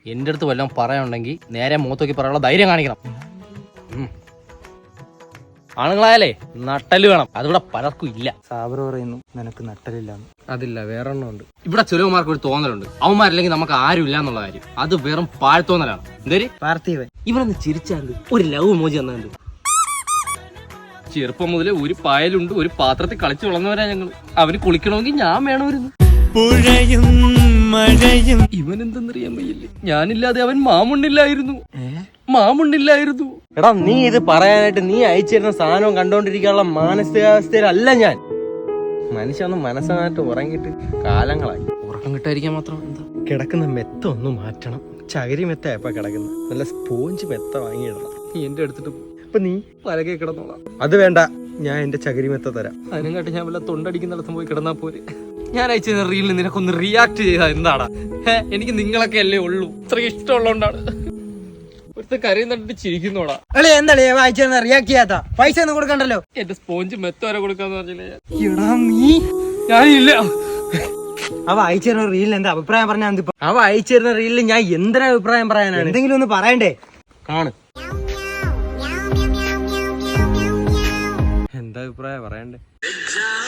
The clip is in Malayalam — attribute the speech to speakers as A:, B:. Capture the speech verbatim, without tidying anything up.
A: എന്റെ അടുത്ത് വല്ലതും പറയാനുണ്ടെങ്കിൽ നേരെ മുഖത്തോക്കി പറയാനുള്ള ധൈര്യം കാണിക്കണം. ആണുങ്ങളായാലേ നട്ടല് വേണം, അതിവിടെ പലർക്കും ഇല്ല.
B: സാബർ പറയുന്നു നിനക്ക് നട്ടലില്ലാന്ന്.
A: അതില്ല, വേറെ എണ്ണം ഉണ്ട്. ഇവിടെ ചെലവുമാർക്ക് ഒരു തോന്നലുണ്ട്, അവന്മാരില്ലെങ്കിൽ നമുക്ക് ആരും ഇല്ല എന്നുള്ള കാര്യം. അത് വെറും പാഴ്ത്തോന്നലാണ്. എന്തേര്
B: പാർത്ഥിവൻ
A: ഇവനൊന്ന് ചിരിച്ചാണ്ട് ഒരു ലവ് മോജി എന്നുണ്ട്. ചെറുപ്പം മുതലേ ഒരു പായലുണ്ട്, ഒരു പാത്രത്തിൽ കളിച്ചു വളർന്നവരാ ഞങ്ങൾ. അവന് കുളിക്കണമെങ്കിൽ ഞാൻ വേണമായിരുന്നു.
B: പുഴയും മഴയും
A: ഇവനെന്തെന്നറിയാൻ വയ്യല്ലേ, ഞാനില്ലാതെ അവൻ മാമുണ്ണില്ലായിരുന്നു, മാമുണ്ണില്ലായിരുന്നു. എടാ നീ ഇത് പറയാനായിട്ട് നീ അയച്ചിരുന്ന സാധനം കണ്ടോണ്ടിരിക്കാനുള്ള മാനസികാവസ്ഥയിലല്ല ഞാൻ. മനുഷ്യൊന്ന് മനസ്സമായിട്ട് ഉറങ്ങിയിട്ട് കാലങ്ങളായി. ഉറക്കം കിട്ടാതിരിക്കാൻ മാത്രം എന്താ? കിടക്കുന്ന മെത്ത ഒന്ന് മാറ്റണം. ചകിരി മെത്ത എപ്പ കിടക്കുന്ന നല്ല സ്പോഞ്ച് മെത്ത വാങ്ങിയിടണം. നീ എന്റെ എടുത്തിട്ട് ഇപ്പൊ നീ പലകെ കിടന്നോളാം. അത് വേണ്ട, ഞാൻ എന്റെ ചകിരി മെത്ത തരാം. അതിനെക്കാട്ടി ഞാൻ വല്ല തൊണ്ടടിക്കുന്നിടത്തും പോയി കിടന്നാ പോരെ. ഞാൻ അയച്ച റീലിന് നിനക്കൊന്ന് റിയാക്ട് ചെയ്താ എന്താടാ? എനിക്ക് നിങ്ങളൊക്കെ അല്ലേ ഉള്ളൂ, ഇത്ര ഇഷ്ടമുള്ളതുകൊണ്ടാണ്. ഒരുത്ത കരയും തണ്ടിട്ട് ചിരിക്കുന്നോടാ.
B: എന്താണ് വായിച്ച റിയാക്ട് ചെയ്യാത്ത? പൈസ ഒന്നും കൊടുക്കണ്ടല്ലോ.
A: എന്റെ സ്പോഞ്ച് മെത്ത വരെ കൊടുക്കാന്ന് പറഞ്ഞില്ലേ
B: നീ?
A: ഞാനില്ല.
B: അവ അയച്ചിരുന്ന റീലിൽ എന്താ അഭിപ്രായം പറഞ്ഞാൽ മതി.
A: അവ അയച്ചിരുന്ന റീലിൽ ഞാൻ എന്തിനാ അഭിപ്രായം പറയാനാണ്?
B: എന്തെങ്കിലും ഒന്ന് പറയണ്ടേ?
A: കാണ് എന്താ അഭിപ്രായം പറയണ്ടേ?